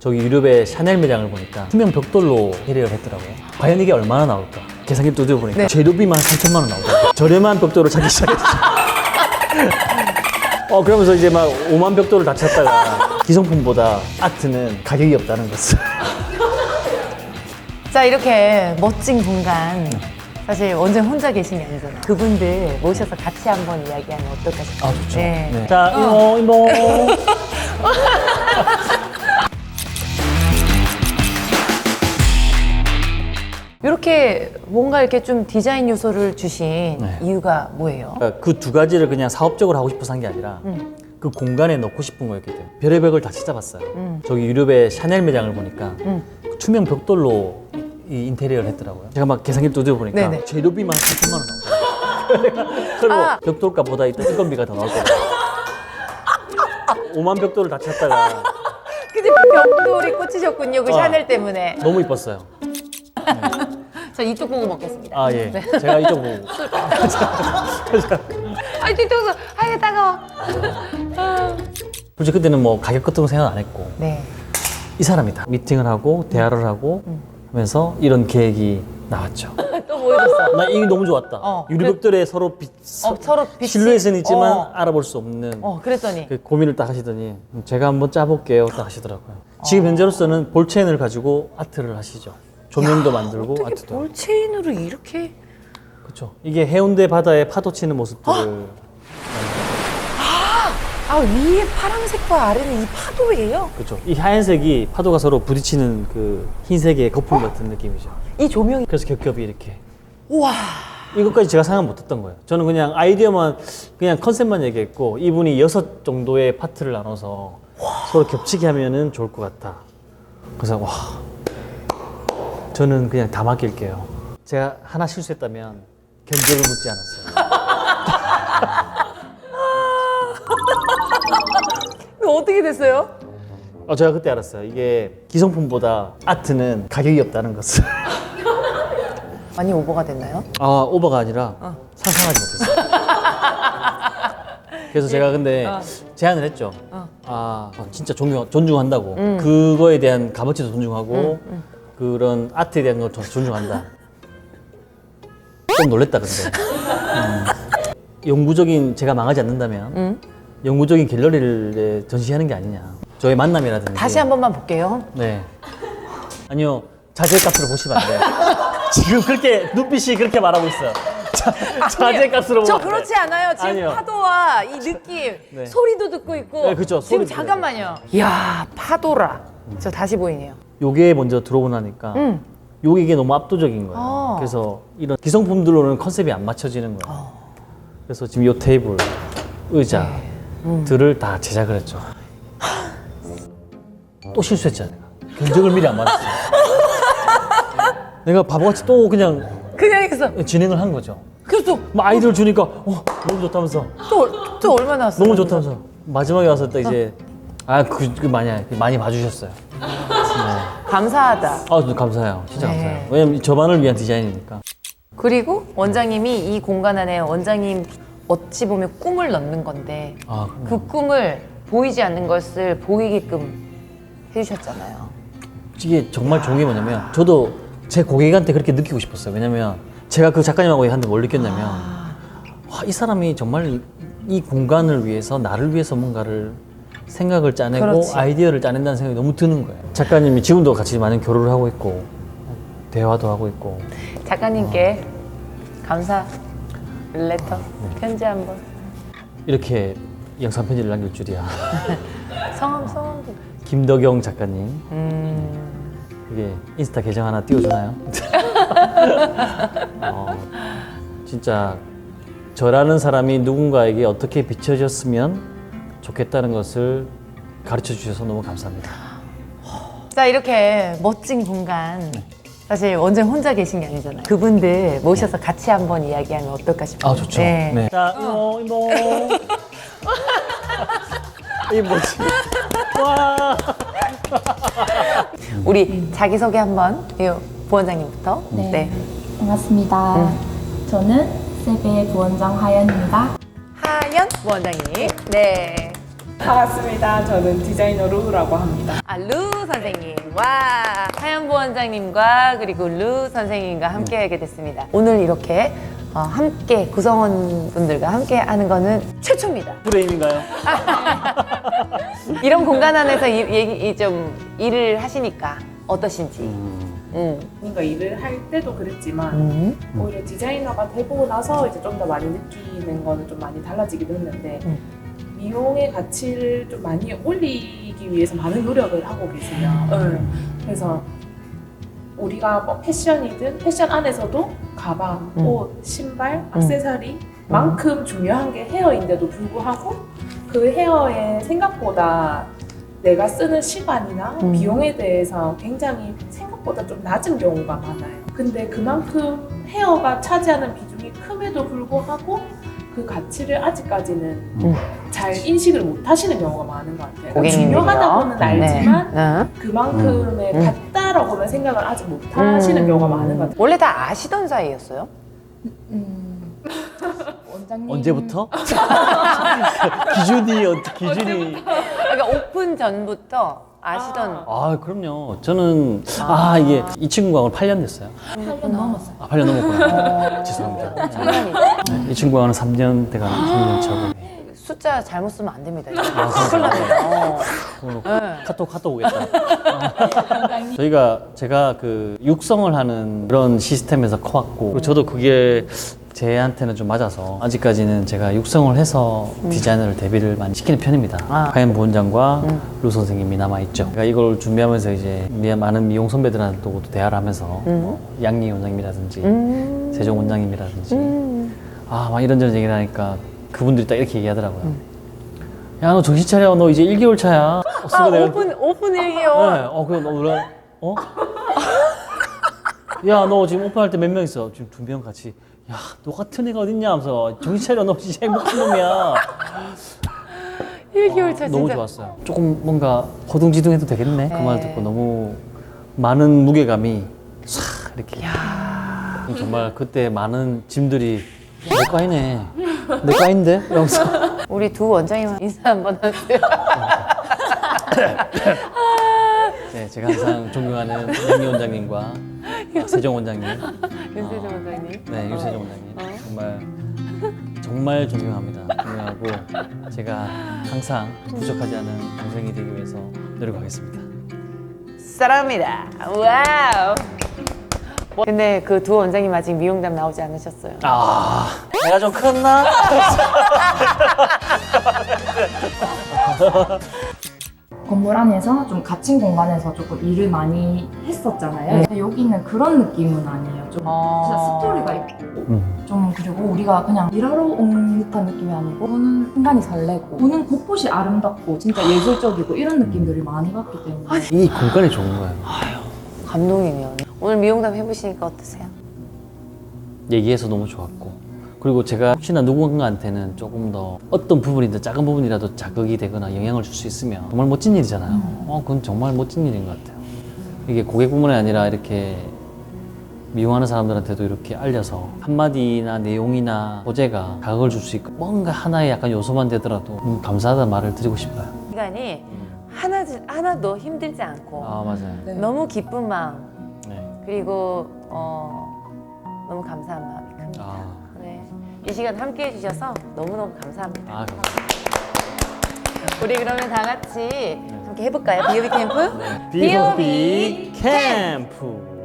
저기 유럽의 샤넬 매장을 보니까 투명 벽돌로 인테리어를 했더라고요. 과연 이게 얼마나 나올까? 계산기 두드려보니까 네. 재료비만 3천만 원 나오더라고요. 저렴한 벽돌을 찾기 시작했죠. 그러면서 이제 막 5만 벽돌을 다 찾다가 기성품보다 아트는 가격이 없다는 것을. 자, 이렇게 멋진 공간. 사실 원장님 혼자 계신 게 아니잖아요. 그분들 모셔서 같이 한번 이야기하면 어떨까 싶어요. 좋죠. 네. 네. 자, 이모. 이렇게 뭔가 이렇게 좀 디자인 요소를 주신 네. 이유가 뭐예요? 그 두 가지를 그냥 사업적으로 하고 싶어서 한 게 아니라 그 공간에 넣고 싶은 거였기 때문에 별의별 걸 다 찾아봤어요. 저기 유럽의 샤넬 매장을 보니까 그 투명 벽돌로 이 인테리어를 했더라고요. 제가 막 계산기 두드려보니까 네네. 재료비만 3천만 원 나오더라고요. 그리고 벽돌값보다 일단 인건비가 더 나왔거든요. 5만 벽돌을 다 찾다가 근데 벽돌이 꽂히셨군요. 그 샤넬 때문에. 너무 이뻤어요. 저 이쪽 보고 먹겠습니다. 아, 예. 제가 이쪽 보고. 아이, 뒤통수. 아이, 따가워. 솔직히 그때는 뭐 가격 같은 거 생각 안 했고 네. 이 사람이다. 미팅을 하고 대화를 하고 하면서 이런 계획이 나왔죠. 또 보여줬어. 나 이게 너무 좋았다. 유리벽돌에 서로 서로 빛이- 실루엣은 있지만 어. 알아볼 수 없는 그랬더니. 그 고민을 딱 하시더니 제가 한번 짜볼게요 딱 하시더라고요. 지금 현재로서는 볼체인을 가지고 아트를 하시죠. 조명도 만들고 어떻게 아트도. 볼체인으로 이렇게. 그렇죠. 이게 해운대 바다에 파도 치는 모습들을 아, 위에 파란색과 아래는 이 파도예요? 그렇죠. 이 하얀색이 파도가 서로 부딪히는 그 흰색의 거품 같은 느낌이죠. 이 조명이. 그래서 겹겹이 이렇게. 우와. 이것까지 제가 생각 못했던 거예요. 저는 그냥 아이디어만 그냥 컨셉만 얘기했고 이분이 6 정도의 파트를 나눠서 서로 겹치게 하면은 좋을 것 같다. 그래서 와, 저는 그냥 다 맡길게요. 제가 하나 실수했다면 견적을 묻지 않았어요. 어떻게 됐어요? 제가 그때 알았어요. 이게 기성품보다 아트는 가격이 없다는 것을. 많이 오버가 됐나요? 오버가 아니라 상상하지 못했어요. 그래서 제가 근데 제안을 했죠. 진짜 존중한다고. 그거에 대한 값어치도 존중하고 그런 아트에 대한 걸 존중한다. 좀 놀랬다 근데. 영구적인 제가 망하지 않는다면 영구적인 갤러리를 전시하는 게 아니냐. 저의 만남이라든지. 다시 한 번만 볼게요. 네. 아니요. 자재값으로 보시면 안 돼요. 지금 그렇게 눈빛이 그렇게 말하고 있어요. 자재값으로 저 보면 안 돼요. 그렇지 않아요. 지금 아니요. 파도와 이 느낌, 네. 소리도 듣고 있고. 네, 그쵸. 지금 소리도 잠깐만요. 이야, 파도라. 저 다시 보이네요. 요게 먼저 들어오고 나니까 요게 이게 너무 압도적인 거예요. 그래서 이런 기성품들로는 컨셉이 안 맞춰지는 거예요. 그래서 지금 요 테이블, 의자들을 다 제작을 했죠. 또 실수했잖아. 내가. 견적을 미리 안 받았어. 내가 바보같이 또 그냥 그냥 해서. 진행을 한 거죠. 그래서 막 아이디어를 주니까 너무 좋다면서 또 얼마 나왔어요? 너무 좋다면서 마지막에 와서 딱 이제 많이 봐주셨어요. 네. 감사하다. 저도 감사해요. 진짜 네. 감사해요. 왜냐면 저만을 위한 디자인이니까. 그리고 원장님이 이 공간 안에 원장님 어찌 보면 꿈을 넣는 건데 그 꿈을 보이지 않는 것을 보이게끔 해주셨잖아요. 이게 정말 좋은 게 뭐냐면 저도 제 고객한테 그렇게 느끼고 싶었어요. 왜냐면 제가 그 작가님하고 한테 뭘 느꼈냐면 와, 이 사람이 정말 이 공간을 위해서 나를 위해서 뭔가를 생각을 짜내고 그렇지. 아이디어를 짜낸다는 생각이 너무 드는 거예요. 작가님이 지금도 같이 많은 교류를 하고 있고 대화도 하고 있고 작가님께 감사 레터 편지 한번. 이렇게 영상 편지를 남길 줄이야. 성함. 김덕영 작가님. 그게 인스타 계정 하나 띄워주나요? 진짜 저라는 사람이 누군가에게 어떻게 비춰졌으면 좋겠다는 것을 가르쳐 주셔서 너무 감사합니다. 자, 이렇게 멋진 공간. 사실 원장님 혼자 계신 게 아니잖아요. 그분들 모셔서 같이 한번 이야기하면 어떨까 싶어요. 좋죠. 네. 네. 자, 이모. 이 뭐지? 와. 우리 자기소개 한번 부원장님부터. 네. 반갑습니다. 저는 세베 부원장 하연입니다. 하연 부원장님. 네. 반갑습니다. 저는 디자이너 루라고 합니다. 아, 루 선생님. 와, 하연보 원장님과 그리고 루 선생님과 함께 하게 됐습니다. 오늘 이렇게 함께 구성원분들과 함께 하는 거는 최초입니다. 프레임인가요? 이런 공간 안에서 좀 일을 하시니까 어떠신지. 뭔가 일을 할 때도 그랬지만 오히려 디자이너가 되고 나서 이제 좀 더 많이 느끼는 거는 좀 많이 달라지기도 했는데 미용의 가치를 좀 많이 올리기 위해서 많은 노력을 하고 계세요. 그래서 우리가 뭐 패션이든 패션 안에서도 가방, 옷, 신발, 액세서리 만큼 중요한 게 헤어인데도 불구하고 그 헤어에 생각보다 내가 쓰는 시간이나 비용에 대해서 굉장히 생각보다 좀 낮은 경우가 많아요. 근데 그만큼 헤어가 차지하는 비중이 큼에도 불구하고 그 가치를 아직까지는 잘 인식을 못 하시는 경우가 많은 것 같아요. 고객님들이요? 중요하다고는 알지만 네. 그만큼의 같다라고는 생각을 아직 못 하시는 경우가 많은 것 같아요. 원래 다 아시던 사이였어요? 원장님. 언제부터? 기준이 그러니까 오픈 전부터 아시던. 아 그럼요. 저는 이게 이 친구가 오늘 8년 됐어요. 8년 넘었어요. 8년 넘었구나. 죄송합니다. 네, 이 친구와는 3년 돼가는 3년 차고. 숫자 잘못 쓰면 안 됩니다. 큰일 납니다. 오늘 카톡 오겠다. 제가 그 육성을 하는 그런 시스템에서 커왔고 그리고 저도 그게 제한테는 좀 맞아서 아직까지는 제가 육성을 해서 디자이너를 데뷔를 많이 시키는 편입니다. 하연 부원장과 루 선생님이 남아있죠. 제가 이걸 준비하면서 이제 많은 미용 선배들한테도 대화를 하면서 양리 원장님이라든지 세종 원장님이라든지 막 이런저런 얘기를 하니까 그분들이 딱 이렇게 얘기하더라고요. 야, 너 정신 차려. 너 이제 1개월 차야. 오픈 1개월. 그럼 너 뭐라? 야, 너 지금 오픈할 때 몇 명 있어? 지금 2명 같이. 야, 너 같은 애가 어딨냐? 하면서 정신 차려. 너 진짜 행복한 놈이야. 1개월 차 진짜. 너무 좋았어요. 조금 뭔가 허둥지둥해도 되겠네. 그 말 듣고 너무 많은 무게감이 싹 이렇게. 정말 그때 많은 짐들이 내 과이네. 내 과인데? 이러면서. 우리 두 원장님 인사 한번 하세요. 네, 제가 항상 존경하는 양리 원장님과 세종 원장님, 윤세정 원장님. 네, 윤세종 원장님 정말 존경합니다. 존경하고 제가 항상 부족하지 않은 동생이 되기 위해서 노력하겠습니다. 사랑합니다. 와우. 근데 그 두 원장님 아직 미용담 나오지 않으셨어요. 내가 좀 컸나? 건물 안에서 좀 갇힌 공간에서 조금 일을 많이 했었잖아요. 근데 여기는 그런 느낌은 아니에요. 좀 진짜 스토리가 있고 좀 그리고 우리가 그냥 일하러 온 듯한 느낌이 아니고 보는 순간이 설레고 보는 곳곳이 아름답고 진짜 예술적이고 이런 느낌들을 많이 받기 때문에 이 공간이 좋은 거예요. 감동이네요. 오늘 미용담 해보시니까 어떠세요? 얘기해서 너무 좋았고 그리고 제가 혹시나 누군가한테는 조금 더 어떤 부분이든 작은 부분이라도 자극이 되거나 영향을 줄 수 있으면 정말 멋진 일이잖아요. 그건 정말 멋진 일인 것 같아요. 이게 고객뿐만이 아니라 이렇게 미용하는 사람들한테도 이렇게 알려서 한마디나 내용이나 소재가 자극을 줄 수 있고 뭔가 하나의 약간 요소만 되더라도 감사하다는 말을 드리고 싶어요. 시간이 하나도 힘들지 않고 맞아요. 너무 기쁜 마음 네. 그리고 너무 감사한 마음이 큽니다. 네. 이 시간 함께 해주셔서 너무너무 감사합니다. 감사합니다. 우리 그러면 다 같이 함께 해볼까요? B.O.B 캠프? B.O.B 캠프.